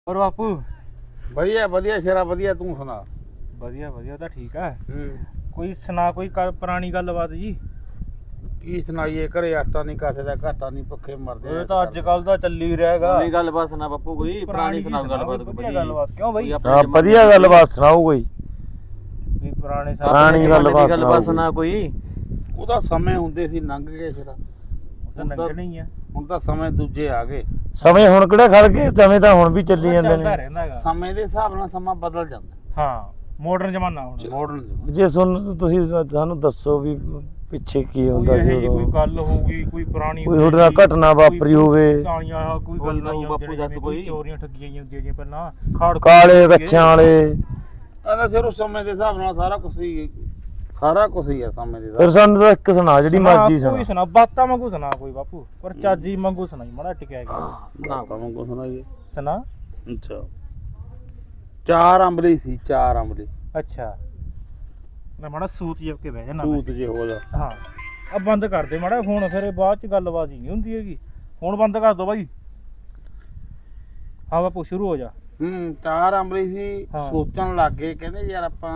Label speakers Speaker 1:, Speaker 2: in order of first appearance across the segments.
Speaker 1: और बापू
Speaker 2: ਵਧੀਆ ਵਧੀਆ ਸ਼ੇਰਾ ਵਧੀਆ ਤੂੰ ਸੁਣਾ।
Speaker 1: ਵਧੀਆ ਵਧੀਆ ਤਾਂ ਠੀਕ ਹੈ।
Speaker 2: ਹੂੰ
Speaker 1: ਕੋਈ ਸੁਣਾ ਕੋਈ ਪੁਰਾਣੀ ਗੱਲਬਾਤ ਜੀ।
Speaker 2: ਕੀ ਸੁਣਾਈਏ, ਘਰੇ ਆਟਾ ਨਹੀਂ ਕਾਸੇ ਦਾ, ਘਾਟਾ ਨਹੀਂ, ਭੁੱਖੇ ਮਰਦੇ
Speaker 1: ਇਹ ਤਾਂ ਅੱਜ ਕੱਲ ਦਾ ਚੱਲੀ ਰਿਹਾਗਾ।
Speaker 3: ਕੋਈ ਗੱਲਬਾਤ ਸੁਣਾ ਬਾਪੂ, ਕੋਈ ਪੁਰਾਣੀ ਸੁਣਾਓ ਗੱਲਬਾਤ ਕੋਈ
Speaker 1: ਵਧੀਆ ਗੱਲਬਾਤ। ਕਿਉਂ ਬਈ
Speaker 4: ਹਾਂ ਵਧੀਆ ਗੱਲਬਾਤ ਸੁਣਾਓ ਕੋਈ
Speaker 1: ਵੀ ਪੁਰਾਣੇ
Speaker 4: ਪੁਰਾਣੀ
Speaker 3: ਗੱਲਬਾਤ ਸੁਣਾ ਕੋਈ।
Speaker 2: ਉਹਦਾ ਸਮੇਂ ਹੁੰਦੇ ਸੀ ਲੰਘ ਗਏ ਸ਼ੇਰਾ,
Speaker 1: ਤਾਂ ਲੰਘਣੇ ਹੀ ਆ।
Speaker 2: ਹੁਣ ਤਾਂ ਸਮੇਂ ਦੂਜੇ ਆ ਗਏ।
Speaker 4: ਸਮੇਂ ਹੁਣ ਕਿਹੜਾ ਖੜ ਗਏ, ਸਮੇਂ ਤਾਂ ਹੁਣ ਵੀ ਚੱਲੀ ਜਾਂਦੇ
Speaker 1: ਚੱਲਦਾ
Speaker 4: ਨੇ।
Speaker 1: ਰਹਿੰਦਾ ਹੈਗਾ।
Speaker 2: ਸਮੇਂ ਦੇ ਹਿਸਾਬ ਨਾਲ ਸਮਾਂ ਬਦਲ ਜਾਂਦਾ।
Speaker 1: ਹਾਂ ਮਾਡਰਨ ਜ਼ਮਾਨਾ ਹੁਣ।
Speaker 2: ਮਾਡਰਨ
Speaker 4: ਜੇ ਤੁਸੀਂ ਸਾਨੂੰ ਦੱਸੋ ਵੀ ਪਿੱਛੇ ਕੀ ਹੁੰਦਾ ਸੀ
Speaker 1: ਕੋਈ
Speaker 4: ਉਦੋਂ,
Speaker 1: ਗੱਲ ਹੋਊਗੀ, ਕੋਈ ਪੁਰਾਣੀ
Speaker 4: ਕੋਈ ਤੁਹਾਡੇ ਨਾਲ ਘਟਨਾ ਵਾਪਰੀ ਹੋਵੇ।
Speaker 1: ਕੋਈ ਗੱਲ ਨਹੀਂ
Speaker 3: ਬਾਪੂ ਦੱਸ ਕੋਈ।
Speaker 1: ਚੋਰੀਆਂ ਠੱਗੀਆਂ ਹੁੰਦੀਆਂ ਜੀ ਪਹਿਲਾਂ, ਖਾੜ
Speaker 4: ਕਾਲੇ ਕੱਛਾਂ ਵਾਲੇ।
Speaker 2: ਆਹ ਸਿਰ ਉਸ ਸਮੇਂ ਦੇ ਹਿਸਾਬ ਨਾਲ ਸਾਰਾ ਕੁਝ ਹੀ ਆ ਸਮੇਂ ਦੇ
Speaker 4: ਫਿਰ
Speaker 2: ਹਿਸਾਬ
Speaker 4: ਸਾਨੂੰ ਤਾਂ ਇੱਕ ਸੁਣਾ ਜਿਹੜੀ ਮਰਜ਼ੀ ਸੁਣਾ।
Speaker 1: ਕੋਈ ਸੁਣਾ ਬਾਤਾਂ ਵਾਂਗੂ ਸੁਣਾ ਕੋਈ ਬਾਪੂ, ਪਰ ਚਾਜੀ ਵਾਂਗੂ ਸੁਣਾਈ ਮਾੜਾ ਟਿਕਿਆ ਗਿਆ।
Speaker 2: ਨਾਲ। ਕੋ ਸੁਣਾਈਏ।
Speaker 1: ਸੁਣਾ।
Speaker 2: ਅੱਛਾ, ਚਾਰ ਅੰਬਲੀ ਸੀ, ਚਾਰ ਅੰਬਲੀ।
Speaker 1: ਅੱਛਾ ਮੈਂ ਮਾੜਾ ਸੂਤ ਜਿਹਾ ਕੇ ਬਹਿ ਜਾਣਾ।
Speaker 2: ਸੂਤ ਜੇ ਹੋ ਜਾ।
Speaker 1: ਹਾਂ ਆ ਬੰਦ ਕਰ ਦੇ ਮਾੜਾ ਫੋਨ, ਫਿਰ ਇਹ ਬਾਅਦ ਚ ਗੱਲਬਾਤ ਹੀ ਨਹੀਂ ਹੁੰਦੀ ਹੈਗੀ। ਹੁਣ ਬੰਦ ਕਰ ਦੋ ਬਾਈ। ਹਾਂ ਬਾਪੂ ਸ਼ੁਰੂ ਹੋ ਜਾ।
Speaker 2: ਚਾਰ ਅੰਬਲੀ ਸੀ,
Speaker 1: ਹਾਂ।
Speaker 2: ਸੋਚਣ ਲੱਗ ਗਏ, ਕਹਿੰਦੇ ਯਾਰ ਆਪਾਂ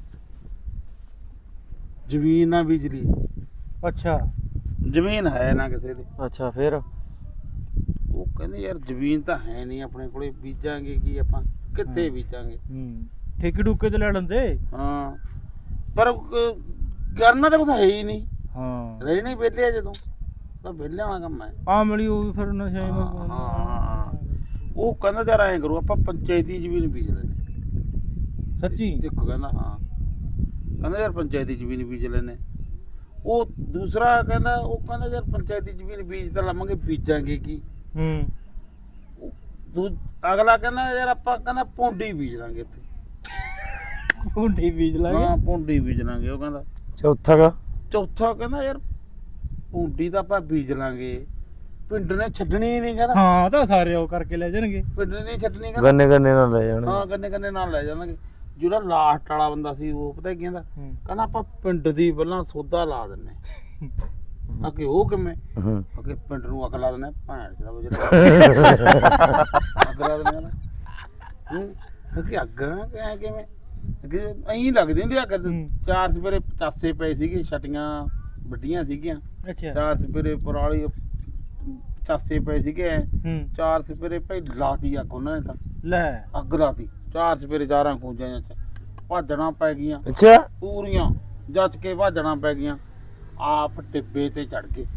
Speaker 2: ਜ਼ਮੀਨ ਨਾ ਬੀਜ ਲਈ।
Speaker 1: ਅੱਛਾ
Speaker 2: ਜ਼ਮੀਨ ਹੈ ਨਾ ਕਿਸੇ ਦੀ।
Speaker 3: ਅੱਛਾ ਫਿਰ
Speaker 2: ਉਹ ਕਹਿੰਦੇ ਯਾਰ ਜ਼ਮੀਨ ਤਾਂ ਹੈ ਨਹੀਂ ਆਪਣੇ ਕੋਲੇ, ਬੀਜਾਂਗੇ ਕੀ ਆਪਾਂ, ਕਿੱਥੇ ਬੀਜਾਂਗੇ।
Speaker 1: ਠੇਕੇ ਠੂਕੇ ਤੇ ਲੈ ਲੈਂਦੇ।
Speaker 2: ਹਾਂ ਪਰ ਕਰਨਾ ਤਾਂ ਕੁਛ ਹੈ ਹੀ ਨਹੀਂ।
Speaker 1: ਹਾਂ
Speaker 2: ਰਹਿਣੇ ਵਿਹਲੇ ਜਦੋਂ ਤਾਂ ਵਿਹਲੇ ਵਾਲਾ ਕੰਮ ਹੈ।
Speaker 1: ਆ ਮਿਲੀ ਉਹ ਫਿਰ ਨਸ਼ੇ
Speaker 2: ਹਾਂ। ਉਹ ਕਹਿੰਦਾ ਯਾਰ ਐਂ ਕਰੋ ਆਪਾਂ ਪੰਚਾਇਤੀ ਜ਼ਮੀਨ ਬੀਜ ਲੈਂਦੇ।
Speaker 1: ਸੱਚੀ।
Speaker 2: ਇੱਕ ਕਹਿੰਦਾ ਹਾਂ, ਕਹਿੰਦਾ ਯਾਰ ਪੰਚਾਇਤੀ ਜ਼ਮੀਨ ਬੀਜ ਲੈਂਦੇ। ਉਹ ਦੂਸਰਾ ਕਹਿੰਦਾ, ਉਹ ਕਹਿੰਦਾ ਯਾਰ ਪੰਚਾਇਤੀ ਜ਼ਮੀਨ ਬੀਜ ਤਾਂ ਲਵਾਂਗੇ, ਬੀਜਾਂਗੇ ਕੀ। ਅਗਲਾ ਕਹਿੰਦਾ ਯਾਰ ਆਪਾਂ ਕਹਿੰਦਾ ਪੌਂਡੀ ਬੀਜ ਲਾਂਗੇ ਇੱਥੇ।
Speaker 1: ਭੁੰਡੀ ਬੀਜ ਲਾਂਗੇ।
Speaker 2: ਹਾਂ ਪੌਂਡੀ ਬੀਜ ਲਾਂਗੇ। ਉਹ ਕਹਿੰਦਾ ਚੌਥਾ ਕਹਿੰਦਾ ਯਾਰ ਪੌਂਡੀ ਤਾਂ ਆਪਾਂ ਬੀਜ ਲਾਂਗੇ, ਪਿੰਡ ਨੇ ਛੱਡਣੀ ਹੀ ਨਹੀਂ। ਕਹਿੰਦਾ
Speaker 1: ਹਾਂ ਤਾਂ ਸਾਰੇ ਉਹ ਕਰਕੇ ਲੈ ਜਾਣਗੇ।
Speaker 2: ਪਿੰਡ ਨੇ ਨਹੀਂ ਛੱਡਣੀ। ਕਹਿੰਦਾ
Speaker 4: ਗੰਨੇ ਗੰਨੇ ਨਾਲ ਲੈ ਜਾਣ।
Speaker 2: ਹਾਂ ਗੰਨੇ ਨਾਲ ਲੈ ਜਾਣਗੇ। ਜਿਹੜਾ ਲਾਸਟ ਵਾਲਾ ਬੰਦਾ ਸੀ ਉਹ ਪਤਾ ਕੀ ਕਹਿੰਦਾ, ਕਹਿੰਦਾ ਆਪਾਂ ਪਿੰਡ ਦੀ ਪਹਿਲਾਂ ਸੌਦਾ ਲਾ ਦਿੰਨੇ। ਅੱਗੇ ਉਹ ਕਿਵੇਂ, ਅੱਗੇ ਪਿੰਡ ਨੂੰ ਅੱਗ ਲਾ ਦਿੰਨੇ। ਭੈਣ ਦਾ ਅੱਗ ਲਾ ਦਿੰਨੇ ਨਾ। ਅੱਗੇ ਅੱਗ ਕਿਵੇਂ ਅੱਗੇ ਐਂ ਲੱਗਦੀ ਹੁੰਦੀ ਅੱਗ। ਚਾਰ ਸਵੇਰੇ ਪਚਾਸੇ ਪਏ ਸੀਗੇ, ਛਟੀਆਂ ਵੱਡੀਆਂ ਸੀਗੀਆਂ।
Speaker 1: ਅੱਛਾ
Speaker 2: ਚਾਰ ਸਵੇਰੇ ਪਰਾਲੀ ਪਚਾਸੇ ਪਏ ਸੀਗੇ। ਚਾਰ ਸਵੇਰੇ ਭਾਈ ਲਾਤੀ ਅੱਗ ਉਹਨਾਂ ਨੇ, ਤਾਂ
Speaker 1: ਲੈ
Speaker 2: ਅੱਗ ਲਾਤੀ। ਚਾਰ ਸਵੇਰੇ ਚਾਰਾਂ ਖੂੰਜਾਂ ਚ ਭਾਜਣਾ ਪੈ ਗਈਆਂ
Speaker 4: ਅੱਛਾ
Speaker 2: ਪੂਰੀਆਂ, ਜੱਜ ਕੇ ਭਾਜਣਾ ਪੈ ਗਈਆਂ। ਆਪ ਟਿੱਬੇ ਤੇ ਚੜ ਗਏ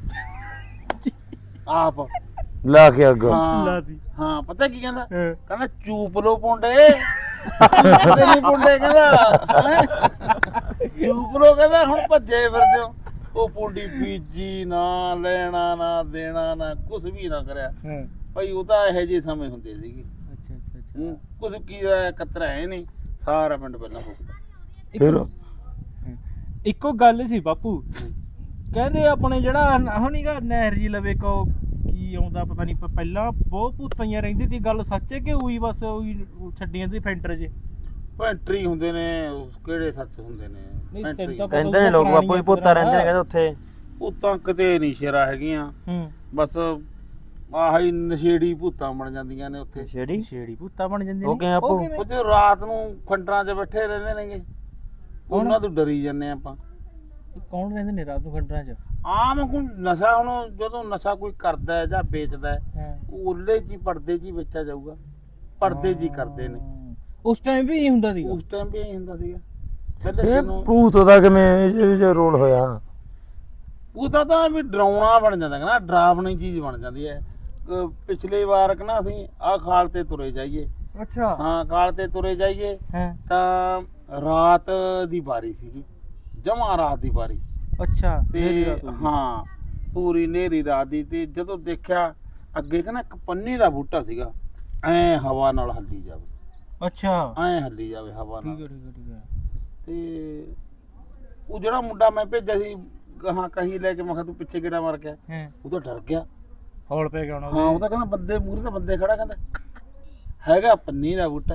Speaker 2: ਆਪ
Speaker 4: ਲਾ ਕੇ ਅੱਗ।
Speaker 2: ਹਾਂ
Speaker 1: ਲਾਤੀ।
Speaker 2: ਹਾਂ ਪਤਾ ਕੀ ਕਹਿੰਦਾ, ਕਹਿੰਦਾ ਚੂਪ ਲੋ ਪੁੰਡੇ ਚੂਪਦੇ ਨਹੀਂ ਪੁੰਡੇ। ਕਹਿੰਦਾ ਚੂਪ ਲੋ, ਕਹਿੰਦਾ ਹੁਣ ਭੱਜੇ ਫਿਰਦੇ ਹੋ। ਉਹ ਪੁੰਡੀ ਬੀਜੀ ਨਾ, ਲੈਣਾ ਨਾ ਦੇਣਾ ਨਾ, ਕੁਛ ਵੀ ਨਾ ਕਰਿਆ ਭਾਈ। ਉਹ ਤਾਂ ਇਹੋ ਜਿਹੇ ਸਮੇਂ ਹੁੰਦੇ ਸੀਗੇ।
Speaker 1: ਅੱਛਾ ਅੱਛਾ ਅੱਛਾ।
Speaker 2: ਕੁਝ ਕੀ ਕਤਰਾ ਹੈ ਨਹੀਂ, ਸਾਰਾ ਪਿੰਡ ਪਹਿਲਾਂ ਫੁੱਕਦਾ।
Speaker 4: ਫਿਰ
Speaker 1: ਇੱਕੋ ਗੱਲ ਸੀ ਬਾਪੂ, ਕਹਿੰਦੇ ਆਪਣੇ ਜਿਹੜਾ ਹੁਣੀਗਾ ਨਹਿਰ ਜੀ ਲਵੇ ਕੋ ਕੀ ਆਉਂਦਾ ਪਤਾ ਨਹੀਂ, ਪਹਿਲਾਂ ਬਹੁਤ ਭੂਤਾਂ ਰਹਿੰਦੀ ਸੀ। ਗੱਲ ਸੱਚ ਹੈ ਕਿ ਉਹੀ ਬਸ ਉਹੀ ਛੱਡੀਆਂ ਦੀ ਫੈਂਟਰ ਜੇ
Speaker 2: ਪੈਂਟਰੀ ਹੁੰਦੇ ਨੇ, ਕਿਹੜੇ ਸੱਚ ਹੁੰਦੇ ਨੇ। ਪੈਂਟਰੀ
Speaker 3: ਕਹਿੰਦੇ ਨੇ ਲੋਕ ਬਾਪੂ ਵੀ ਭੂਤਾਂ ਰਹਿੰਦੇ ਨੇ ਕਹਿੰਦੇ ਉੱਥੇ।
Speaker 2: ਭੂਤਾਂ ਕਿਤੇ ਨਹੀਂ ਸ਼ੇਰਾ ਹੈਗੀਆਂ, ਬਸ ਆਹੀ ਨਸ਼ੇੜੀ ਭੂਤਾਂ ਬਣ ਜਾਂਦੀਆਂ ਨੇ ਉੱਥੇ।
Speaker 1: ਛੇੜੀ ਭੂਤਾਂ ਬਣ ਜਾਂਦੇ
Speaker 3: ਉਹ ਕਿਵੇਂ ਬਾਪੂ?
Speaker 2: ਉਹ ਜੋ ਰਾਤ ਨੂੰ ਖੰਡਰਾਂ 'ਚ ਬੈਠੇ ਰਹਿੰਦੇ ਨੇਗੇ, ਉਹਨਾਂ ਤੋਂ ਡਰੀ ਜਾਂਦੇ ਆਪਾਂ।
Speaker 1: ਕੌਣ ਰਹਿੰਦੇ ਨੇ ਰਾਤ ਨੂੰ ਖੰਡਰਾਂ 'ਚ?
Speaker 2: ਆਮ ਕੋਈ ਨਸ਼ਾ, ਹੁਣ ਜਦੋਂ ਨਸ਼ਾ ਕੋਈ ਕਰਦਾ ਹੈ ਜਾਂ ਵੇਚਦਾ ਹੈ, ਉਹਲੇ 'ਚ ਹੀ ਪਰਦੇ 'ਚ ਹੀ ਵੇਚਿਆ ਜਾਊਗਾ, ਪਰਦੇ 'ਚ ਹੀ ਕਰਦੇ ਨੇ।
Speaker 1: ਉਸ ਟਾਈਮ ਵੀ ਇਹ ਹੁੰਦਾ ਸੀਗਾ।
Speaker 2: ਉਸ ਟਾਈਮ ਵੀ ਇਹ ਹੁੰਦਾ ਸੀਗਾ।
Speaker 4: ਇਹ ਭੂਤ ਦਾ ਕਿਵੇਂ ਇਹਦੇ ਚ ਰੋਲ ਹੋਇਆ?
Speaker 2: ਉਹਦਾ ਤਾਂ ਵੀ ਡਰਾਉਣਾ ਬਣ ਜਾਂਦਾ ਨਾ, ਡਰਾਵਣੀ ਚੀਜ਼ ਬਣ ਜਾਂਦੀ ਹੈ। ਪਿਛਲੇ ਵਾਰ ਕਹਿੰਦਾ ਅਸੀਂ ਆਹ ਖਾਲ ਤੇ ਤੁਰੇ ਜਾਈਏ।
Speaker 1: ਅੱਛਾ
Speaker 2: ਹਾਂ ਖਾਲ ਤੇ ਤੁਰੇ ਜਾਈਏ ਤਾਂ ਰਾਤ ਦੀ ਵਾਰੀ ਸੀਗੀ, ਜਮਾਂ ਰਾਤ ਦੀ ਵਾਰੀ।
Speaker 1: ਅੱਛਾ
Speaker 2: ਤੇ ਹਾਂ ਪੂਰੀ ਨੇਰੀ ਰਾਤ ਦੀ। ਤੇ ਜਦੋਂ ਦੇਖਿਆ ਅੱਗੇ ਕਹਿੰਦਾ ਇੱਕ ਪੰਨੇ ਦਾ ਬੂਟਾ ਸੀਗਾ, ਐ ਹਵਾ ਨਾਲ ਹੱਲੀ ਜਾਵੇ।
Speaker 1: ਅੱਛਾ
Speaker 2: ਐ ਹੱਲੀ ਜਾਵੇ ਹਵਾ ਨਾਲ।
Speaker 1: ਠੀਕ ਹੈ ਠੀਕ ਹੈ।
Speaker 2: ਤੇ ਉਹ ਜਿਹੜਾ ਮੁੰਡਾ ਮੈਂ ਭੇਜਿਆ ਸੀ ਗਾਹਾਂ ਕਹੀ ਲੈ ਕੇ, ਮੈਂ ਕਿਹਾ ਤੂੰ ਪਿੱਛੇ ਕਿਹੜਾ ਮਾਰ ਗਿਆ, ਉਹ ਤਾਂ ਡਰ ਗਿਆ।
Speaker 1: ਹੌਲ ਪੈ ਗਿਆ ਉਹਨਾਂ
Speaker 2: ਹਾਂ ਉਹ ਤਾਂ ਕਹਿੰਦਾ ਬੰਦੇ ਮੂਹਰੇ ਤਾਂ ਬੰਦੇ ਖੜਾ, ਕਹਿੰਦਾ ਹੈਗਾ ਪੰਨੀ ਦਾ ਬੂਟਾ।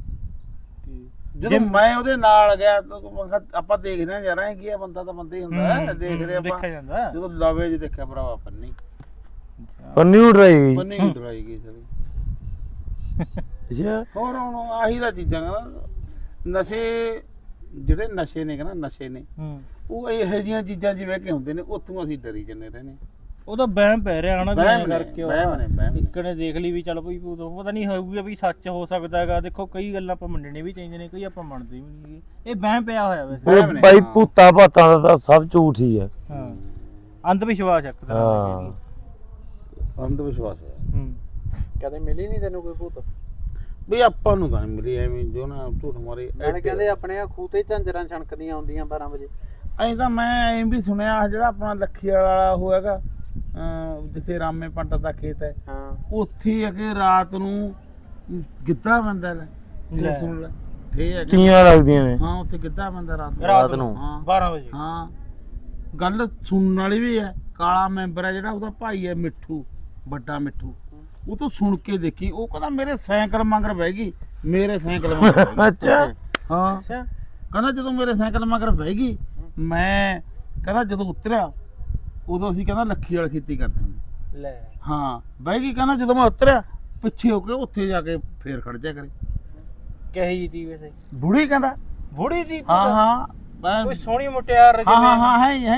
Speaker 2: ਜਦੋਂ ਮੈਂ ਉਹਦੇ ਨਾਲ ਗਿਆ ਤਾਂ ਮੈਂ ਕਿਹਾ ਆਪਾਂ ਦੇਖਦੇ ਹਾਂ ਯਾਰ ਐ ਕੀ ਆ, ਬੰਦਾ ਤਾਂ ਬੰਦਾ ਹੀ ਹੁੰਦਾ, ਦੇਖਦੇ ਆਪਾਂ। ਜਦੋਂ ਲਵੇ ਜੀ ਦੇਖਿਆ ਭਰਾਵਾ ਪੰਨੀ
Speaker 4: ਪੰਨੀ ਉਡਰਾਈ ਗਈ।
Speaker 2: ਪੰਨੀ ਉਡਰਾਈ ਗਈ ਸਾਰੀ।
Speaker 4: ਅੱਛਾ
Speaker 2: ਹੋਰ ਹੁਣ ਆਹੀ ਦਾ ਚੀਜ਼ਾਂ ਕਹਿੰਦਾ ਨਸ਼ੇ ਜਿਹੜੇ ਨਸ਼ੇ ਨੇ ਕਹਿੰਦਾ ਨਸ਼ੇ ਨੇ ਉਹ ਇਹੋ ਜਿਹੀਆਂ ਚੀਜ਼ਾਂ ਜਿਵੇਂ ਕਿ ਹੁੰਦੇ ਨੇ ਉੱਥੋਂ ਅਸੀਂ ਡਰੀ ਜੰਨੇ ਰਹਿੰਦੇ
Speaker 1: ਉਹ ਤਾਂ ਵਹਿਮ ਪੈ ਰਿਹਾ ਹਨਾ ਵੀ
Speaker 2: ਵਹਿਮ
Speaker 1: ਐਂ
Speaker 2: ਨੇ,
Speaker 1: ਕਰਕੇ
Speaker 2: ਵਹਿਮ ਨੇ, ਵਹਿਮ ਨੇ।
Speaker 1: ਇੱਕ ਨੇ ਦੇਖ ਲਈ ਵੀ ਚੱਲ ਭਈ ਉਦੋਂ ਪਤਾ ਨਹੀਂ ਹੋਊਗਾ ਵੀ ਸੱਚ ਹੋ ਸਕਦਾ ਹੈਗਾ। ਦੇਖੋ ਕਈ ਗੱਲਾਂ ਆਪਾਂ ਮੰਨਣੇ ਵੀ ਚਾਹੀਦੇ ਨੇ, ਕਈ ਆਪਾਂ ਮੰਨਦੇ ਵੀ ਨਹੀਂ। ਇਹ ਵਹਿਮ ਪਿਆ ਹੋਇਆ ਵੈਸੇ।
Speaker 4: ਉਹ ਬਾਈ ਭੂਤਾਂ ਭਾਤਾਂ ਦਾ ਤਾਂ ਸਭ ਝੂਠ ਹੀ ਹੈ।
Speaker 1: ਹਾਂ ਅੰਧ ਵਿਸ਼ਵਾਸ ਇੱਕ ਤਰ੍ਹਾਂ ਦਾ
Speaker 4: ਹਾਂ
Speaker 2: ਅੰਧ ਵਿਸ਼ਵਾਸ ਹੈ।
Speaker 5: ਕਦੇ ਮਿਲੀ ਨਹੀਂ ਤੈਨੂੰ ਕੋਈ ਭੂਤ?
Speaker 2: ਵੀ ਆਪਾਂ ਨੂੰ ਤਾਂ ਨਹੀਂ ਮਿਲੀ ਐਵੇਂ ਜੋ ਨਾ ਝੂਠ ਮਾਰੇ।
Speaker 5: ਨਾਲੇ ਕਹਿੰਦੇ ਆਪਣੇ ਆ ਖੂਹ ਤੇ ਝਾਂਜਰਾਂ ਛਣਕਦੀਆਂ ਆਉਂਦੀਆਂ 12 ਵਜੇ।
Speaker 2: ਐਂ ਤਾਂ ਮੈਂ ਐਂ ਵੀ ਸੁਣਿਆ ਜਿਹੜਾ ਆਪਣਾ ਲੱਖੀ ਵਾਲਾ ਹੋਏਗਾ ਜਿੱਥੇ ਰਾਮੇ ਪੰਡਤ ਦਾ ਖੇਤ ਹੈ
Speaker 5: ਹਾਂ
Speaker 2: ਉੱਥੇ ਅਗੇ ਰਾਤ ਨੂੰ ਗਿੱਧਾ ਬੰਦਾ ਲੈ
Speaker 1: ਲੈ।
Speaker 2: ਸੁਣ ਲੈ ਫੇ ਹੈ
Speaker 4: ਤੀਆਂ ਲੱਗਦੀਆਂ ਨੇ।
Speaker 2: ਹਾਂ ਉੱਥੇ ਗਿੱਧਾ ਬੰਦਾ ਰਾਤ
Speaker 3: ਰਾਤ ਨੂੰ
Speaker 2: ਹਾਂ
Speaker 1: 12 ਵਜੇ।
Speaker 2: ਹਾਂ ਗੱਲ ਸੁਣਨ ਵਾਲੀ ਵੀ ਹੈ। ਕਾਲਾ ਮੈਂਬਰ ਹੈ ਜਿਹੜਾ ਉਹਦਾ ਭਾਈ ਹੈ ਮਿੱਠੂ, ਵੱਡਾ ਮਿੱਠੂ, ਉਹ ਤੋਂ ਸੁਣ ਕੇ ਦੇਖੀ। ਉਹ ਕਹਿੰਦਾ ਮੇਰੇ ਸਾਈਕਲ ਮਗਰ ਬਹਿ ਗਈ, ਮੇਰੇ ਸਾਈਕਲ ਮਗਰ ਬਹਿ ਗਈ।
Speaker 4: ਅੱਛਾ
Speaker 2: ਹਾਂ
Speaker 1: ਅੱਛਾ
Speaker 2: ਕਹਿੰਦਾ ਜਦੋਂ ਮੇਰੇ ਸਾਈਕਲ ਮਗਰ ਬਹਿ ਗਈ ਮੈਂ ਕਹਿੰਦਾ ਜਦੋਂ ਉਤਰਿਆ ਉਦੋਂ ਅਸੀਂ ਕਹਿੰਦਾ ਲੱਖੀ ਵਾਲੀ ਖੇਤੀ ਕਰਦੇ ਹੁੰਦੇ।
Speaker 1: ਲੈ
Speaker 2: ਹਾਂ ਬਹਿ ਗਈ ਕਹਿੰਦਾ ਜਦੋਂ ਮੈਂ ਉਤਰਿਆ ਪਿੱਛੇ ਹੋ ਕੇ ਉੱਥੇ ਜਾ ਕੇ ਫੇਰ ਖੜ ਜਾ ਕਰੇ।
Speaker 1: ਕਹੀ ਜੀ ਤੀ ਵੈਸੇ
Speaker 2: ਬੁੜੀ ਕਹਿੰਦਾ
Speaker 1: ਬੁੜੀ ਦੀ
Speaker 2: ਹਾਂ ਹਾਂ ਮੈਂ-
Speaker 1: ਕੋਈ ਸੋਹਣੀ ਮੁਟਿਆਰ
Speaker 2: ਹਾਂ ਹਾਂ ਹਾਂ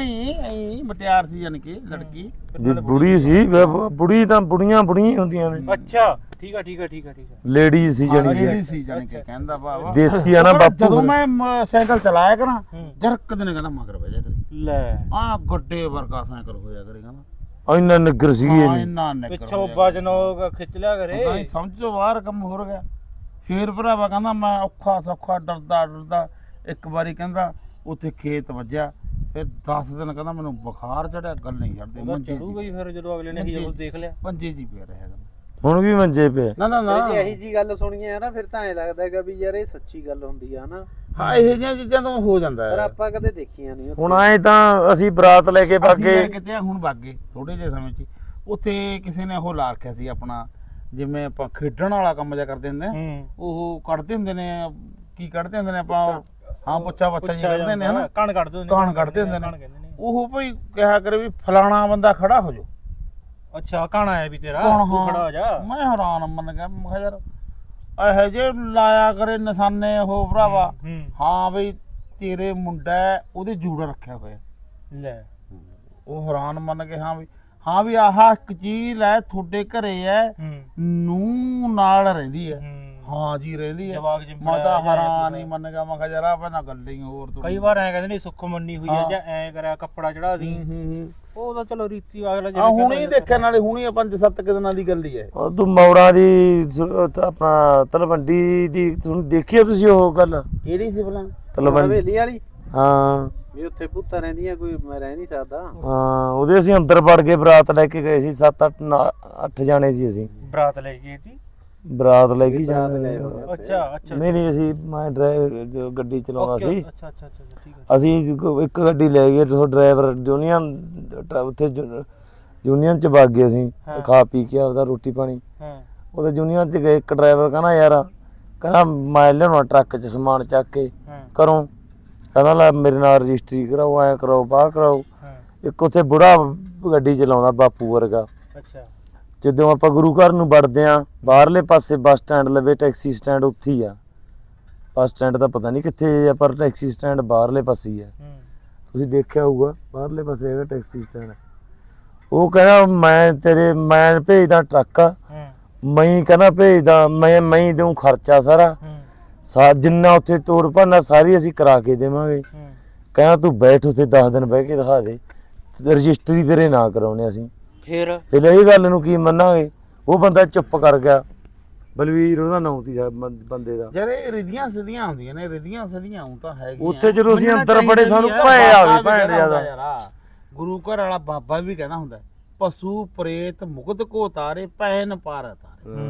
Speaker 2: ਹੈ ਮਟਿਆਰ ਸੀ ਜਾਨ ਕੇ ਲੜਕੀ।
Speaker 4: ਵੀ ਬੁੜੀ ਸੀ ਬੁੜੀ ਤਾਂ ਬੁੜੀਆਂ ਹੀ ਹੁੰਦੀਆਂ ਨੇ।
Speaker 1: ਅੱਛਾ ਠੀਕ ਆ ਠੀਕ ਆ ਠੀਕ ਆ ਠੀਕ ਆ।
Speaker 4: ਲੇਡੀ ਸੀ ਜਾਣੀ
Speaker 2: ਲੇਡੀ
Speaker 4: ਕਿ
Speaker 2: ਸੀ ਜਾਨ ਕੇ ਕਹਿੰਦਾ ਵਾਹ
Speaker 4: ਦੇਸੀ ਆ ਨਾ ਬਾਪੂ
Speaker 2: ਜਦੋਂ
Speaker 4: ਫਿਰ।
Speaker 2: ਮੈਂ ਸਾਈਕਲ ਚਲਾਇਆ ਕਰਾਂ
Speaker 1: ਹੂੰ।
Speaker 2: ਜਰਕ ਦਿਨ ਕਹਿੰਦਾ ਮਗਰ ਬਹਿ ਜਾ ਕਰੇ।
Speaker 1: ਲੈ
Speaker 2: ਆ ਗੱਡੇ ਵਰਗਾ ਸਾਈਕਲ ਹੋਇਆ ਕਰੇ ਕਹਿੰਦਾ।
Speaker 4: ਇੰਨਾ ਨਿੱਗਰ ਸੀਗੀ
Speaker 2: ਹਾਂ
Speaker 4: ਇਹ
Speaker 2: ਇੰਨਾ ਨਿਕਲ
Speaker 1: ਪਿੱਛੋਂ ਵਜਨ ਉਹ ਖਿੱਚ ਲਿਆ ਕਰੇ।
Speaker 2: ਹਾਂ ਸਮਝ ਤੋਂ ਬਾਹਰ ਕੰਮ ਹੋ ਗਿਆ। ਫੇਰ ਭਰਾਵਾ ਕਹਿੰਦਾ ਮੈਂ ਔਖਾ ਸੌਖਾ ਡਰਦਾ ਇੱਕ ਵਾਰੀ ਕਹਿੰਦਾ ਉੱਥੇ ਖੇਤ ਵੱਜਿਆ। ਫਿਰ 10 ਦਿਨ ਕਹਿੰਦਾ ਮੈਨੂੰ ਬੁਖਾਰ ਚੜਿਆ, ਗੱਲ ਨਹੀਂ ਛੱਡਦੇ।
Speaker 1: ਉਹਦਾ
Speaker 2: ਮੰਜੇ
Speaker 1: ਚੜੂ ਗਈ ਫਿਰ ਜਦੋਂ ਅਗਲੇ ਨੇ
Speaker 2: ਮੰਜੇ।
Speaker 1: ਹੀ ਦੇਖ ਲਿਆ।
Speaker 2: ਪੰਜੇ ਜੀ ਪਿਆ ਰਿਹਾ ਕਹਿੰਦਾ।
Speaker 4: ਹੁਣ ਵੀ ਮੰਜੇ ਪਏ।
Speaker 2: ਨਾ ਨਾ ਨਾ
Speaker 5: ਜੇ ਇਹੀ ਜੀ ਗੱਲ ਸੁਣੀਏ ਆ ਨਾ ਫਿਰ ਤਾਂ ਐ ਲੱਗਦਾ ਹੈਗਾ ਵੀ ਯਾਰ ਇਹ ਸੱਚੀ ਗੱਲ ਹੁੰਦੀ ਆ ਨਾ।
Speaker 2: ਹਾਂ ਇਹ ਜਿਹੀਆਂ ਚੀਜ਼ਾਂ ਤਾਂ ਹੋ ਜਾਂਦਾ
Speaker 5: ਪਰ
Speaker 2: ਹੈ।
Speaker 5: ਆਪਾਂ ਕਦੇ ਦੇਖੀਆਂ ਨਹੀਂ
Speaker 4: ਹੁਣ ਆਏ ਤਾਂ ਅਸੀਂ ਬਰਾਤ ਲੈ ਕੇ
Speaker 2: ਅਸੀਂ
Speaker 4: ਬਾਗੇ
Speaker 2: ਯਾਰ ਕਿਤੇ ਹੁਣ ਬਾਗੇ ਥੋੜੇ ਜਿਹੇ ਸਮੇਂ 'ਚ ਹੀ। ਉੱਥੇ ਕਿਸੇ ਨੇ ਉਹ ਲਾ ਰੱਖਿਆ ਸੀ ਆਪਣਾ ਜਿਵੇਂ ਆਪਾਂ ਖੇਡਣ ਵਾਲਾ ਕੰਮ ਜਿਹਾ ਕਰਦੇ ਹੁੰਦੇ ਆ। ਉਹ ਕੱਢਦੇ ਹੁੰਦੇ ਨੇ, ਕੀ ਕੱਢਦੇ ਹੁੰਦੇ ਨੇ ਆਪਾਂ, ਹਾਂ ਪੁੱਛਾ ਜੀ ਕੱਢਦੇ ਨੇ ਹਨਾ,
Speaker 1: ਕਣ ਕੱਢਦੇ ਹੁੰਦੇ
Speaker 2: ਕਾਣ ਕੱਢਦੇ ਹੁੰਦੇ ਨੇ। ਉਹ ਭਈ ਕਿਹਾ ਕਰੇ ਵੀ ਫਲਾਣਾ ਬੰਦਾ ਖੜਾ ਹੋ ਜਾ।
Speaker 1: ਅੱਛਾ ਕਣ ਆਇਆ ਵੀ ਤੇਰਾ
Speaker 2: ਕੌਣ?
Speaker 1: ਤੂੰ
Speaker 2: ਹਾਂ
Speaker 1: ਖੜਾ ਹੋ ਜਾ।
Speaker 2: ਮੈਂ ਹੈਰਾਨ ਮੰਨ ਗਿਆ। ਮੈਂ ਕਿਹਾ ਯਾਰ ਇਹੋ ਜੇ ਲਾਇਆ ਕਰੇ ਨਿਸ਼ਾਨੇ ਉਹ ਭਰਾਵਾ। ਹਾਂ ਬਈ ਤੇਰੇ ਮੁੰਡਾ ਹੈ, ਉਹਦੇ ਜੂੜਾ ਰੱਖਿਆ ਹੋਇਆ।
Speaker 1: ਲੈ
Speaker 2: ਉਹ ਹੈਰਾਨ ਮੰਨ ਕੇ ਹਾਂ ਵੀ ਆਹ ਇੱਕ ਚੀਜ਼ ਲੈ ਤੁਹਾਡੇ ਘਰੇ ਐ ਨੂੰ ਨਾਲ ਰਹਿੰਦੀ ਐ। ਹਾਂ ਜੀ ਰਹਿੰਦੀ ਐ।
Speaker 1: ਜਵਾਕ ਜਿਹਾ
Speaker 2: ਮੈਂ ਤਾਂ ਹੈਰਾਨ ਹੀ ਮੰਨ ਗਿਆ। ਮੈਂ ਕਿਹਾ ਯਾਰ ਆ ਪਹਿਲਾਂ ਗੱਲ ਹੀ ਹੋਰ ਤੂੰ।
Speaker 1: ਕਈ ਵਾਰ ਐ ਕਹਿੰਦੇ ਨੇ ਸੁੱਖ ਮੰਨੀ ਹੋਈ ਆ ਜਾਂ ਐ ਕਰਿਆ ਕੱਪੜਾ ਚੜਾ ਦੀ। ਉਹ ਤਾਂ ਚਲੋ ਰੀਤੀ ਅਗਲਾ
Speaker 2: ਆ ਹੁਣ ਹੀ ਦੇਖਿਆ ਨਾਲੇ ਹੁਣੀ 5-7 ਦਿਨਾਂ ਦੀ ਗੱਲ ਹੀ ਐ।
Speaker 4: ਉਹ ਤੂੰ ਮੌੜਾਂ ਦੀ ਆਪਣਾ ਤਲਵੰਡੀ ਦੀ ਦੇਖੀ ਤੁਸੀਂ ਉਹ ਗੱਲ
Speaker 2: ਕਿਹੜੀ ਸੀ ਭਲਾ?
Speaker 4: ਤਲਵੰਡੀ?
Speaker 5: ਹਵੇਲੀ ਵਾਲੀ
Speaker 4: ਹਾਂ
Speaker 5: ਵੀ ਉੱਥੇ ਭੂਤਾਂ ਰਹਿੰਦੀਆਂ, ਕੋਈ ਮੈਂ ਰਹਿ ਨਹੀਂ ਸਕਦਾ।
Speaker 4: ਹਾਂ ਉਹਦੇ ਅਸੀਂ ਅੰਦਰ ਵੜ ਕੇ ਬਰਾਤ ਲੈ ਕੇ ਗਏ ਸੀ। 7-8 ਜਾਣੇ ਸੀ ਅਸੀਂ।
Speaker 1: ਬਰਾਤ ਲੈ ਗਈ ਸੀ।
Speaker 4: ਬਰਾਤ ਲੈ ਕੇ ਜਾਂਦੇ।
Speaker 1: ਅੱਛਾ ਅੱਛਾ
Speaker 4: ਨਹੀਂ ਅਸੀਂ ਮੈਂ ਡਰਾਈਵਰ ਜੋ ਗੱਡੀ ਚਲਾਉਂਦਾ ਸੀ।
Speaker 1: ਅੱਛਾ ਅੱਛਾ ਅੱਛਾ ਠੀਕ ਹੈ।
Speaker 4: ਅਸੀਂ ਇੱਕ ਗੱਡੀ ਲੈ ਗਏ। ਉਹ ਡਰਾਈਵਰ ਯੂਨੀਅਨ ਉੱਥੇ ਯੂਨੀਅਨ ਚ ਵਗ ਗਏ ਅਸੀਂ। ਖਾ ਪੀ ਕੇ ਆਪਦਾ ਰੋਟੀ ਪਾਣੀ। ਉਹਦੇ ਯੂਨੀਅਨ ਚ ਗਏ। ਇੱਕ ਡਰਾਈਵਰ ਕਹਿੰਦਾ ਯਾਰ ਕਹਿੰਦਾ ਮੈਂ ਲਿਆਉਣਾ ਟਰੱਕ ਚ ਸਮਾਨ ਚੱਕ ਕੇ ਘਰੋਂ। ਕਹਿੰਦਾ ਲੈ ਮੇਰੇ ਨਾਲ ਰਜਿਸਟਰੀ ਕਰਾਓ, ਐਂ ਕਰਾਓ, ਬਾਹ ਕਰਾਓ। ਇੱਕ ਉੱਥੇ ਬੁੜਾ ਗੱਡੀ ਚਲਾਉਂਦਾ ਬਾਪੂ ਵਰਗਾ।
Speaker 1: ਅੱਛਾ
Speaker 4: ਜਦੋਂ ਆਪਾਂ ਗੁਰੂ ਘਰ ਨੂੰ ਵੜਦੇ ਆ ਬਾਹਰਲੇ ਪਾਸੇ ਬੱਸ ਸਟੈਂਡ ਲਵੇ ਟੈਕਸੀ ਸਟੈਂਡ ਉੱਥੇ ਹੀ ਆ। ਬੱਸ ਸਟੈਂਡ ਤਾਂ ਪਤਾ ਨਹੀਂ ਕਿੱਥੇ ਆ ਪਰ ਟੈਕਸੀ ਸਟੈਂਡ ਬਾਹਰਲੇ ਪਾਸੇ ਹੀ ਆ। ਤੁਸੀਂ ਦੇਖਿਆ ਹੋਊਗਾ ਬਾਹਰਲੇ ਪਾਸੇ ਹੈਗਾ ਟੈਕਸੀ ਸਟੈਂਡ। ਉਹ ਕਹਿੰਦਾ ਮੈਂ ਭੇਜਦਾ ਟਰੱਕ। ਮੈਂ ਕਹਿੰਦਾ ਭੇਜਦਾ ਮੈਂ ਦਊਂ ਖਰਚਾ ਸਾਰਾ ਜਿੰਨਾ ਉੱਥੇ ਤੋੜ ਭੰਨਾ ਸਾਰੀ ਅਸੀਂ ਕਰਾ ਕੇ ਦੇਵਾਂਗੇ। ਕਹਿੰਦਾ ਤੂੰ ਬੈਠ ਉੱਥੇ 10 ਦਿਨ ਬਹਿ ਕੇ ਦਿਖਾ ਦੇ, ਰਜਿਸਟਰੀ ਤੇਰੇ ਨਾਂ ਕਰਾਉਣੇ ਅਸੀਂ।
Speaker 1: ਫਿਰ
Speaker 4: ਇਹ ਗੱਲ ਨੂੰ ਕੀ ਮੰਨਾਂਗੇ। ਉਹ ਬੰਦਾ ਚੁੱਪ ਕਰ ਗਿਆ। ਬਲਵੀਰ ਉਹਦਾ ਨਾਂ ਸੀ ਬੰਦੇ ਦਾ।
Speaker 2: ਯਾਰ ਇਹ ਰਿਧੀਆਂ ਸਿਧੀਆਂ ਹੁੰਦੀਆਂ ਨੇ, ਰਿਧੀਆਂ ਸਿਧੀਆਂ ਹੁਣ ਤਾਂ ਹੈਗੀਆਂ।
Speaker 4: ਉੱਥੇ ਜਦੋਂ ਅਸੀਂ ਅੰਦਰ ਬੜੇ ਸਾਨੂੰ ਭੈ ਆਵੇ ਭੈਣ ਜਿਆਦਾ।
Speaker 2: ਗੁਰੂ ਘਰ ਵਾਲਾ ਬਾਬਾ ਵੀ ਕਹਿੰਦਾ ਹੁੰਦਾ ਪਸ਼ੂ ਪ੍ਰੇਤ ਮੁਕਤ ਕੋ ਤਾਰੇ ਪੈਨ ਪਾਰ ਤਾਰੇ।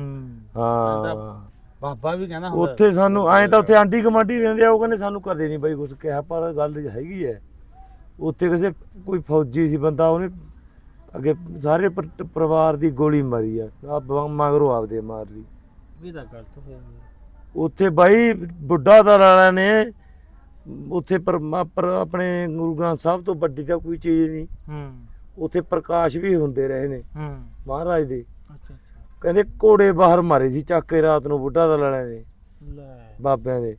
Speaker 4: ਹਾਂ
Speaker 2: ਬਾਬਾ ਵੀ ਕਹਿੰਦਾ ਹੁੰਦਾ।
Speaker 4: ਉੱਥੇ ਸਾਨੂੰ ਐਂ ਤਾਂ ਉੱਥੇ ਆਂਢੀ ਕਮਾਂਢੀ ਰਹਿੰਦੇ ਆ। ਉਹ ਕਹਿੰਦੇ ਸਾਨੂੰ ਕਦੇ ਨਹੀਂ ਬਾਈ ਕੁਛ ਕਿਹਾ ਪਰ ਗੱਲ ਹੈਗੀ ਹੈ। ਉੱਥੇ ਕਿਸੇ ਕੋਈ ਫੌਜੀ ਸੀ ਬੰਦਾ, ਉਹਨੇ ਅੱਗੇ ਸਾਰੇ ਪਰਿਵਾਰ ਦੀ ਗੋਲੀ ਮਾਰੀ ਆ ਮਗਰੋਂ ਆਪਦੇ ਮਾਰ ਲਈ।
Speaker 1: ਵੀ ਤਾਂ ਗਲਤ ਹੋਇਆ।
Speaker 4: ਉੱਥੇ ਬਾਈ ਬੁੱਢਾ ਦਲ ਵਾਲਿਆਂ ਨੇ ਉੱਥੇ ਆਪਣੇ ਗੁਰੂ ਗ੍ਰੰਥ ਸਾਹਿਬ ਤੋਂ ਵੱਡੀ ਤਾਂ ਕੋਈ ਚੀਜ਼ ਨਹੀਂ। ਉੱਥੇ ਪ੍ਰਕਾਸ਼ ਵੀ ਹੁੰਦੇ ਰਹੇ ਨੇ ਮਹਾਰਾਜ ਦੇ। ਕਹਿੰਦੇ ਘੋੜੇ ਬਾਹਰ ਮਾਰੇ ਸੀ ਚੱਕ ਕੇ ਰਾਤ ਨੂੰ ਬੁੱਢਾ ਦਲ ਵਾਲਿਆਂ ਦੇ
Speaker 1: ਲੈ
Speaker 4: ਬਾਬਿਆਂ ਦੇ।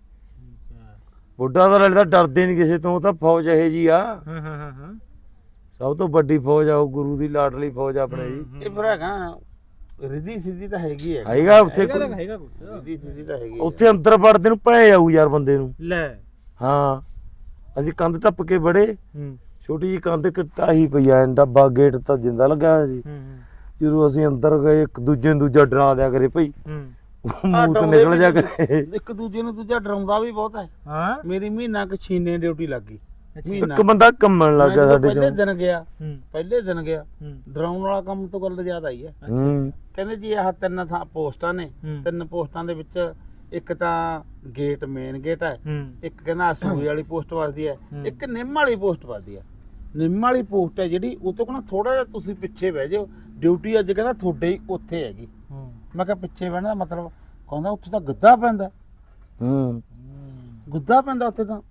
Speaker 4: ਬੁੱਢਾ ਦਲ ਵਾਲੇ ਤਾਂ ਡਰਦੇ ਨਹੀਂ ਕਿਸੇ ਤੋਂ, ਉਹ ਤਾਂ ਫੌਜ ਇਹੋ ਜੀ ਆ,
Speaker 1: ਹਾਂ
Speaker 4: ਸਭ ਤੋਂ ਵੱਡੀ ਫੌਜ ਆ ਉਹ, ਗੁਰੂ ਦੀ ਲਾਡਲੀ ਫੌਜ ਆ ਆਪਣੇ ਜੀ।
Speaker 2: ਇਹ ਫਿਰ ਹੈਗਾ ਰਿੱਧੀ ਸਿੱਧੀ ਤਾਂ ਹੈਗੀ ਹੈ,
Speaker 4: ਹੈਗਾ ਉੱਥੇ
Speaker 1: ਹੈਗਾ ਕੁਛ
Speaker 2: ਰਿੱਧੀ ਸਿੱਧੀ ਤਾਂ ਹੈਗੀ ਹੈ।
Speaker 4: ਉੱਥੇ ਅੰਦਰ ਵੜਦੇ ਨੂੰ ਭੈ ਜਾਊ ਯਾਰ ਬੰਦੇ ਨੂੰ।
Speaker 1: ਲੈ
Speaker 4: ਹਾਂ ਅਸੀਂ ਕੰਧ ਟੱਪ ਕੇ ਵੜੇ,
Speaker 1: ਹੂੰ
Speaker 4: ਛੋਟੀ ਜੀ ਕੰਧ ਢਾਹੀ ਪਈ ਆ, ਡੱਬਾ ਗੇਟ ਤਾਂ ਜਿੰਦਾ ਲੱਗਾ ਹੋਇਆ ਸੀ।
Speaker 1: ਹੂੰ
Speaker 4: ਜਦੋਂ ਅਸੀਂ ਅੰਦਰ ਗਏ ਇੱਕ ਦੂਜੇ ਨੂੰ ਦੂਜਾ ਡਰਾ ਦਿਆ ਕਰੇ ਭਾਈ,
Speaker 1: ਹੂੰ
Speaker 4: ਮੂੰਹ ਤੋਂ ਨਿਕਲ ਜਾ ਕਰੇ।
Speaker 2: ਇੱਕ ਦੂਜੇ ਨੂੰ ਦੂਜਾ ਡਰਾਉਂਦਾ ਵੀ ਬਹੁਤ ਹੈ।
Speaker 1: ਹਾਂ
Speaker 2: ਮੇਰੀ ਮਹੀਨਾ ਕੁ ਛੀਨੇ ਡਿਊਟੀ ਲੱਗ ਗਈ, ਮਹੀਨਾ
Speaker 4: ਇੱਕ ਬੰਦਾ ਕੰਮਣ ਲੱਗ ਗਿਆ
Speaker 2: ਮੈਂ
Speaker 4: ਸਾਡੇ
Speaker 2: ਪਹਿਲੇ
Speaker 4: ਚੋਂ।
Speaker 2: ਦਿਨ ਗਿਆ,
Speaker 1: ਹੂੰ
Speaker 2: ਪਹਿਲੇ ਦਿਨ ਗਿਆ,
Speaker 1: ਹੂੰ
Speaker 2: ਡਰਾਉਣ ਵਾਲਾ ਕੰਮ ਤੋਂ ਗੱਲ ਜ਼ਿਆਦਾ ਆਈ ਹੈ।
Speaker 4: ਹੂੰ
Speaker 2: ਕਹਿੰਦੇ ਜੀ ਆਹ 3 ਥਾਂ ਪੋਸਟਾਂ ਨੇ,
Speaker 1: ਹੂੰ।
Speaker 2: 3 ਪੋਸਟਾਂ ਦੇ ਵਿੱਚ ਇੱਕ ਤਾਂ ਗੇਟ ਮੇਨ ਗੇਟ ਹੈ,
Speaker 1: ਹੂੰ
Speaker 2: ਇੱਕ ਕਹਿੰਦਾ ਅਸੂਰੀ ਵਾਲੀ ਪੋਸਟ ਵੱਜਦੀ ਹੈ,
Speaker 1: ਹੂੰ।
Speaker 2: ਇੱਕ ਨਿੰਮ ਵਾਲੀ ਪੋਸਟ ਵੱਜਦੀ ਹੈ। ਨਿੰਮ ਵਾਲੀ ਪੋਸਟ ਹੈ ਜਿਹੜੀ, ਉਹ ਤੋਂ ਕਹਿੰਦਾ ਥੋੜਾ ਜਿਹਾ ਤੁਸੀਂ ਪਿੱਛੇ ਬਹਿ ਜਾਓ, ਡਿਊਟੀ ਅੱਜ ਕਹਿੰਦਾ ਤੁਹਾਡੇ ਹੀ ਉੱਥੇ ਹੈਗੀ।
Speaker 1: ਹੂੰ
Speaker 2: ਮੈਂ ਕਿਹਾ ਪਿੱਛੇ ਬਹਿਣ ਦਾ ਮਤਲਬ, ਕਹਿੰਦਾ ਉੱਥੇ ਤਾਂ ਗੱਦਾ ਪੈਂਦਾ,
Speaker 4: ਹੂੰ
Speaker 2: ਗੁੱਦਾ ਪੈਂਦਾ ਉੱਥੇ ਤਾਂ।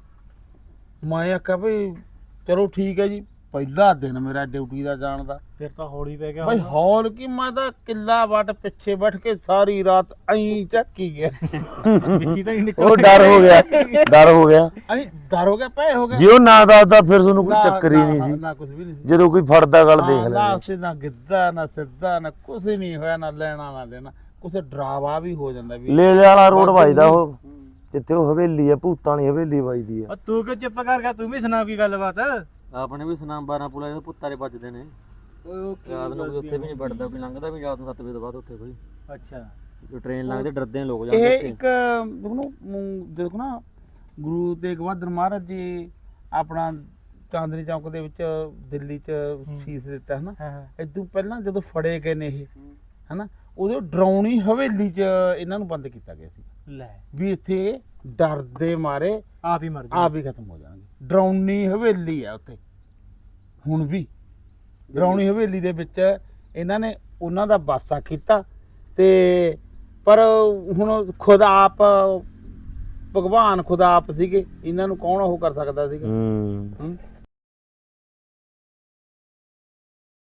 Speaker 2: ਮੈਂ ਆਖਿਆ ਵੀ ਚਲੋ ਠੀਕ ਹੈ ਜੀ, ਪਹਿਲਾ ਦਿਨ ਮੇਰਾ ਡਿਊਟੀ ਦਾ ਜਾਣ ਦਾ।
Speaker 1: ਫਿਰ ਤਾਂ ਹੌਲੀ ਪੈ ਗਿਆ
Speaker 2: ਬਈ ਹੌਲ ਕੀ, ਮੈਂ ਤਾਂ ਕਿੱਲਾ ਵੱਟ ਪਿੱਛੇ ਬੈਠ ਕੇ ਸਾਰੀ ਰਾਤ ਐਂ ਚੱਕੀ ਗਿਆ,
Speaker 1: ਵਿੱਚੀ ਤਾਂ ਹੀ ਨਿਕਲ
Speaker 4: ਉਹ ਡਰ ਹੋ ਗਿਆ, ਡਰ ਹੋ ਗਿਆ।
Speaker 2: ਐਂ ਡਰ ਹੋ ਗਿਆ, ਪੈ ਹੋ ਗਿਆ।
Speaker 4: ਜੇ ਉਹ ਨਾ ਦੱਸਦਾ ਫਿਰ ਤੁਹਾਨੂੰ ਕੋਈ ਚੱਕਰ ਹੀ ਨਹੀਂ ਸੀ।
Speaker 2: ਨਾ ਕੁਝ ਵੀ ਨਹੀਂ ਸੀ।
Speaker 4: ਜਦੋਂ ਕੋਈ ਫੜਦਾ ਗੱਲ ਦੇਖ
Speaker 2: ਨਾ
Speaker 4: ਲੈਂਦੇ।
Speaker 2: ਉੱਥੇ ਨਾ ਗਿੱਧਾ ਨਾ ਸਿੱਧਾ ਨਾ ਕੁਝ ਨਹੀਂ ਹੋਇਆ, ਨਾ ਲੈਣਾ ਨਾ ਦੇਣਾ, ਕੁਛ ਡਰਾਵਾ ਵੀ ਹੋ ਜਾਂਦਾ ਵੀ।
Speaker 4: ਲੈ ਵਾਲਾ ਰੋਡ ਵੱਜਦਾ ਉਹ, ਜਿੱਥੇ ਉਹ ਹਵੇਲੀ ਆ, ਭੂਤਾਂ ਵਾਲੀ ਹਵੇਲੀ ਵੱਜਦੀ ਆ।
Speaker 1: ਉਹ ਤੂੰ ਕਿਉਂ ਚੁੱਪ ਕਰ ਗਿਆ, ਤੂੰ ਵੀ ਸੁਣਾ ਕੀ ਗੱਲਬਾਤ।
Speaker 3: ਆਪਣੇ ਵੀ ਸੁਨਾਮ 12 ਪੁਲਾ ਦੇ ਪੁੱਤਾਰੇ ਵੱਜਦੇ ਨੇ, ਰਾਤ ਨੂੰ ਕੋਈ ਉੱਥੇ ਵੀ ਨਹੀਂ ਵੜਦਾ, ਕੋਈ ਲੰਘਦਾ ਵੀ ਰਾਤ ਨੂੰ 7 ਵਜੇ ਤੋਂ ਬਾਅਦ ਉੱਥੇ ਕੋਈ।
Speaker 1: ਅੱਛਾ
Speaker 3: ਜੋ ਟ੍ਰੇਨ ਲੰਘਦੇ ਡਰਦੇ ਨੇ ਲੋਕ
Speaker 2: ਇਹ
Speaker 3: ਜਾਂਦੇ ਉੱਥੇ।
Speaker 2: ਇੱਕ ਦੇਖੋ ਨਾ, ਗੁਰੂ ਤੇਗ ਬਹਾਦਰ ਮਹਾਰਾਜ ਜੀ ਆਪਣਾ ਚਾਂਦਨੀ ਚੌਕ ਦੇ ਵਿੱਚ ਦਿੱਲੀ 'ਚ ਸ਼ੀਸ਼ ਦਿੱਤਾ ਹੈ ਨਾ।
Speaker 1: ਹਾਂ ਹਾਂ
Speaker 2: ਇਦੋਂ ਪਹਿਲਾਂ ਜਦੋਂ ਫੜੇ ਗਏ ਨੇ ਇਹ, ਹਨਾ, ਉਦੋਂ ਡਰਾਉਣੀ ਹਵੇਲੀ 'ਚ ਇਹਨਾਂ ਨੂੰ ਬੰਦ ਕੀਤਾ ਗਿਆ ਸੀ
Speaker 1: ਲੈ
Speaker 2: ਵੀ ਇੱਥੇ ਡਰ ਦੇ ਮਾਰੇ
Speaker 1: ਆਪ ਹੀ ਮਰ ਗਿਆ।
Speaker 2: ਆਪ ਹੀ ਖਤਮ ਹੋ ਜਾਣਗੇ। ਡਰਾਉਣੀ ਹਵੇਲੀ ਆ ਉੱਥੇ ਹੁਣ ਵੀ। ਡਰਾਉਣੀ ਹਵੇਲੀ ਦੇ ਵਿੱਚ ਇਹਨਾਂ ਨੇ ਉਹਨਾਂ ਦਾ ਵਾਸਾ ਕੀਤਾ, ਤੇ ਪਰ ਹੁਣ ਖੁਦ ਆਪ ਭਗਵਾਨ ਖੁਦ ਆਪ ਸੀਗੇ, ਇਹਨਾਂ ਨੂੰ ਕੌਣ ਉਹ ਕਰ ਸਕਦਾ ਸੀਗਾ।
Speaker 4: ਹੂੰ
Speaker 2: ਹੂੰ।